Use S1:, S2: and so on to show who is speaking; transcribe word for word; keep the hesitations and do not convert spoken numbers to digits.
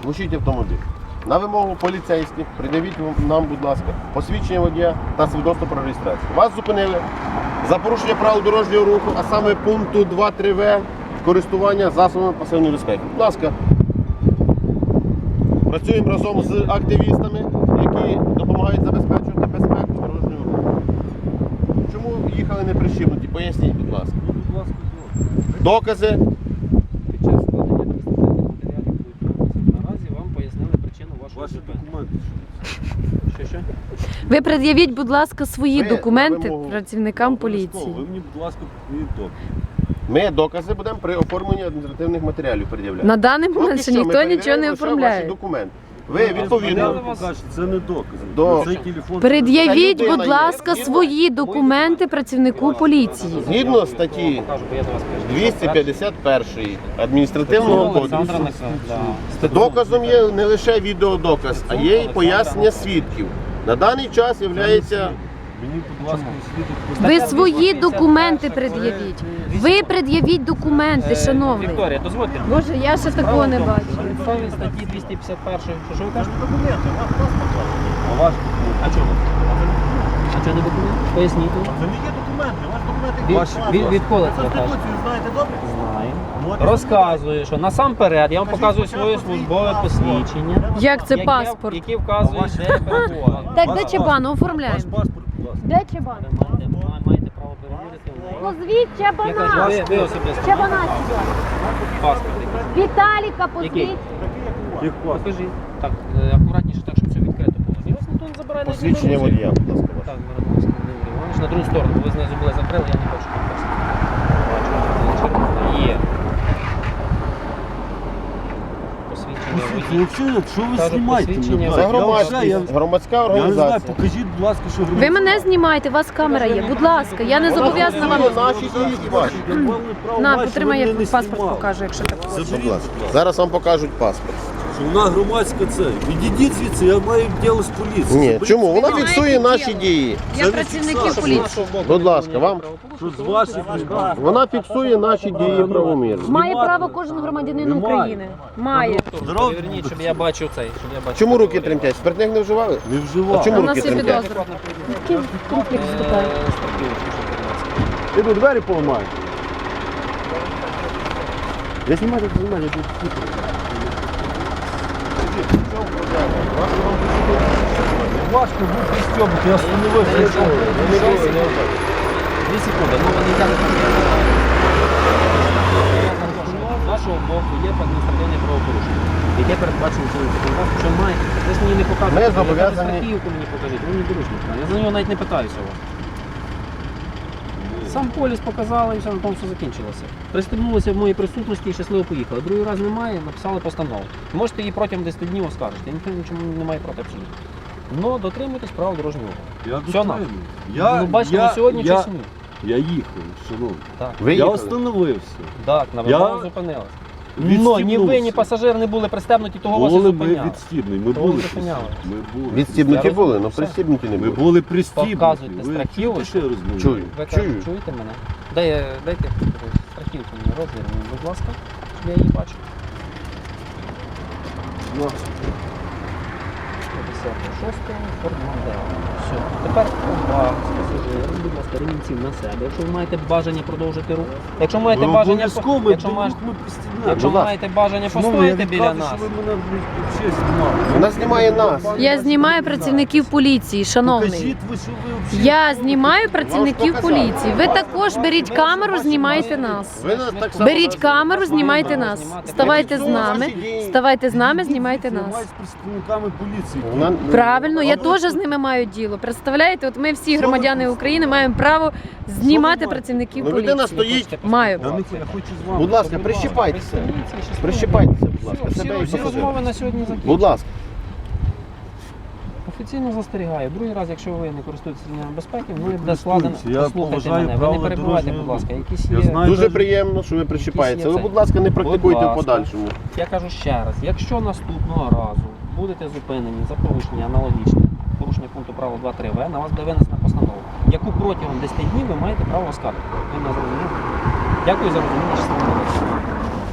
S1: глушіть автомобіль. На вимогу поліцейських пред'явіть нам, будь ласка, посвідчення водія та свідоцтво про реєстрацію. Вас зупинили за порушення правил дорожнього руху, а саме пункту два три В користування засобами пасивної безпеки. Будь ласка, працюємо разом з активістами, які допомагають забезпечувати безпеку дорожнього руху. Чому їхали не прищіпнуті? Поясніть, будь ласка. Докази.
S2: Під час складення адміністративних матеріалів будуть наразі вам пояснили причину вашої
S3: Ваші
S2: зупинки.
S3: документи.
S2: Що, що?
S4: Ви пред'явіть, будь ласка, свої
S1: Ви
S4: документи
S1: вимогу-
S4: працівникам
S3: Обов'язково.
S4: поліції.
S3: Ви мені, будь ласка, повідомте.
S1: Ми докази будемо при оформленні адміністративних матеріалів пред'являти.
S4: На даний
S1: Поки
S4: момент ще
S1: що ми
S4: ніхто нічого
S1: перевіряємо
S4: не
S1: лише ваші
S4: оформляє.
S1: документи. Ви відповідно.
S2: вас-
S3: Кажете, це не докази.
S1: До-
S3: Цей телефон...
S4: Пред'явіть,
S1: Та людина
S4: будь
S1: є.
S4: ласка,
S1: Згідно-
S4: свої документи працівнику поліції.
S1: Згідно статті
S2: Покажу, бо я до вас кажу.
S1: двісті п'ятдесят перший адміністративного
S2: Олександра
S1: кодексу.
S2: Михайловна, да.
S1: Доказом є не лише відеодоказ, а є і пояснення свідків. На даний час є
S3: Мені, будь ласка, свідок...
S4: Ви свої документи пред'явіть. Ви пред'явіть документи, шановний.
S2: Вікторія, дозвольте.
S4: Боже, я ще такого не бачу.
S2: На підставі статті двісті п'ятдесят першої. Що, що ви кажете?
S3: А ваш
S2: А чого? А чого не документ? Поясніть.
S5: Це не є документи, ваші документи
S2: Від,
S3: Ваші,
S2: від,
S3: будь
S2: відколи це ви кажете?
S5: Конституцію знаєте добре?
S2: Знаю.
S5: От.
S2: Розказую, що насамперед я вам показую своє службове посвідчення.
S4: Як це
S2: яке-
S4: паспорт?
S2: Яке вказує, де перебуває.
S4: Так,
S3: Ваш
S4: де чебану
S3: Ваш
S4: оформляємо?
S3: паспорт, будь ласка.
S4: Де чебан?
S2: Ви маєте, ма- маєте право перевірити в неї.
S4: Позвіть
S2: Я кажу,
S4: чебана.
S2: ви, ви особисто
S4: Чебана
S2: маєте
S4: сюди.
S2: паспорт. який?
S4: Віталіка,
S2: Який?
S4: позвіть.
S3: Їх паспорт.
S2: Покажіть. Так, е, акуратніше, так, щоб все відкрито було. І вас ніхто не забирає на
S1: посвідчення
S2: дорозі.
S1: водія, будь ласка. ваше.
S2: Так, Мирославський Володимир Іванович, на другу сторону, бо ви знизу були закрили, я не хочу підписати. Бачу, є. Посвідчення
S3: Слухайте,
S2: водія.
S3: взагалі, що ви
S2: Кажуть,
S3: знімаєте?
S2: посвідчення
S3: мене?
S1: Це
S3: Я
S1: громадськість,
S3: вже- я-
S1: громадська
S3: Я не знаю,
S1: організація.
S3: покажіть, будь ласка, що
S4: Ви мене знімаєте, у вас камера є. Будь ласка, я не зобов'язана вам.
S1: Наші дії і ваші.
S4: На, потримай, я паспорт покажу, якщо так.
S1: Будь ласка. Зараз вам покажуть паспорт.
S3: Вона громадська це. Відійдіть звідси, я маю діло з поліцією.
S1: Ні,
S3: Заберіть
S1: чому? Вона
S3: свої-
S1: фіксує наші дії.
S4: Я працівники поліції.
S1: Будь ласка, вам
S3: Що з ваших рук?
S1: вона фіксує наші дії правомірно.
S4: Має право кожен громадянин
S3: Немає.
S4: України. Має.
S3: Здорово.
S2: Переверніть, щоб я бачив цей, щоб я бачив.
S1: Чому руки тремтять? Спиртних не вживали?
S3: Не вживав.
S1: А чому
S4: У
S1: руки
S4: нас є
S1: тремтять?
S4: підозра. Який конфлікт вступає?
S3: Іду двері поламаю. Я знімаю, я знімаю, я тут слухаю. Важко був пристьобити, я остановився. я йшов.
S2: Дві секунди, ну вони йдуть. Вашого боку є адміністративне правопорушення, яке передбачено цим законодавством, що має. Ви ж мені не показуєте.
S1: Ми зобов'язані-
S2: Страхівку мені покажіть, ви мені доручник. Я за нього навіть не питаюся у вас. Сам поліс показали і все, на тому все закінчилося. Пристебнулися в моїй присутності і щасливо поїхали. Другий раз немає, написали постанову. Можете її протягом десяти днів оскаржити. Ніхто нічому не має проти абсолютно. Но дотримуйтесь правил дорожнього руху.
S3: Я
S2: Все,
S3: дотримую. Я,
S2: Ну, бачите,
S3: я,
S2: на сьогодні
S3: я,
S2: чи ні?
S3: я їхав, шановний.
S2: Так.
S1: Ви
S3: Я
S1: їхали?
S3: остановився.
S2: Так, на
S3: Я
S2: вимогу зупинилися. Но ні ви, ні
S3: Відстібнувся.
S2: пасажир не були пристебнуті, того вас і
S3: Були ми
S2: зупиняли.
S3: відстібні, ми
S2: Того
S3: були
S2: зупиняли.
S3: пристібні. Ми були.
S1: Відстібнуті
S2: Я
S1: були,
S2: розумію,
S1: але
S2: все.
S1: пристібнуті не
S3: Ми
S1: були.
S3: були пристібні.
S2: Показуйте
S3: Ви
S2: страхівочку.
S3: чуєте, що я розмовляю?
S1: Чую.
S2: Ви
S1: Чую.
S2: кажете, чуєте мене? Дай, дайте страхівку мені розмір, мені, будь ласка, щоб я її бачу. п'ятдесят шість, Ford Mondeo. Все. Тепер увага, пасажири, будь ласка, ремінців на себе. Якщо ви маєте бажання продовжити рух, якщо маєте
S3: Ви
S2: бажання,
S3: обов'язково,
S2: по- якщо,
S3: ми
S2: маєте,
S3: ми пристібнемо.
S2: якщо
S1: Будь ласка.
S2: маєте бажання
S3: Шановний,
S2: постояти
S3: я
S2: біля
S3: відказую,
S2: нас,
S3: що ви мене, блядь, взагалі знімали.
S1: Вона знімає нас.
S4: Я знімаю працівників поліції, шановний.
S3: Покажіть ви, що ви взагалі...
S4: Я знімаю працівників поліції. Ви також беріть камеру, знімайте нас.
S1: Ви нас так само
S4: Беріть камеру, знімайте нас. Ставайте з нами. Ставайте з нами, знімайте
S3: Знімаю
S4: нас.
S3: з представниками поліції.
S1: Вона-
S4: Правильно, я теж з ними маю діло. Представляєте, от ми всі громадяни України маємо право знімати працівників
S1: Ну, людина
S4: поліції.
S1: стоїть.
S4: Маю.
S3: Я, не, я хочу з вами.
S1: Будь ласка, прищіпайтеся. Прищіпайтеся, будь ласка,
S2: Всі,
S1: себе і
S2: всі розмови
S1: пасажира.
S2: на сьогодні закінчені.
S1: Будь ласка.
S2: Офіційно застерігаю. Другий раз, якщо ви не користуєтеся ремнями безпеки, ну і буде
S3: Користуюся.
S2: складено.
S3: Я
S2: Послухайте
S3: поважаю
S2: мене, ви не
S3: правила
S2: перебувайте, будь
S3: дорожнього
S2: ласка.
S3: руху.
S2: Якісь
S3: Я
S2: є.
S3: знаю,
S1: Дуже
S3: навіть-
S1: приємно, що ви прищіпаєтеся. Ви,
S2: цей.
S1: будь ласка, не практикуйте
S2: Будь
S1: в
S2: ласка.
S1: подальшому.
S2: Я кажу ще раз, якщо наступного разу будете зупинені за порушення аналогічне, порушення пункту правил два три В, на вас буде винесена постанова, яку протягом десяти днів ви маєте право оскаржити. Ви мене зрозуміли? Дякую за розуміння.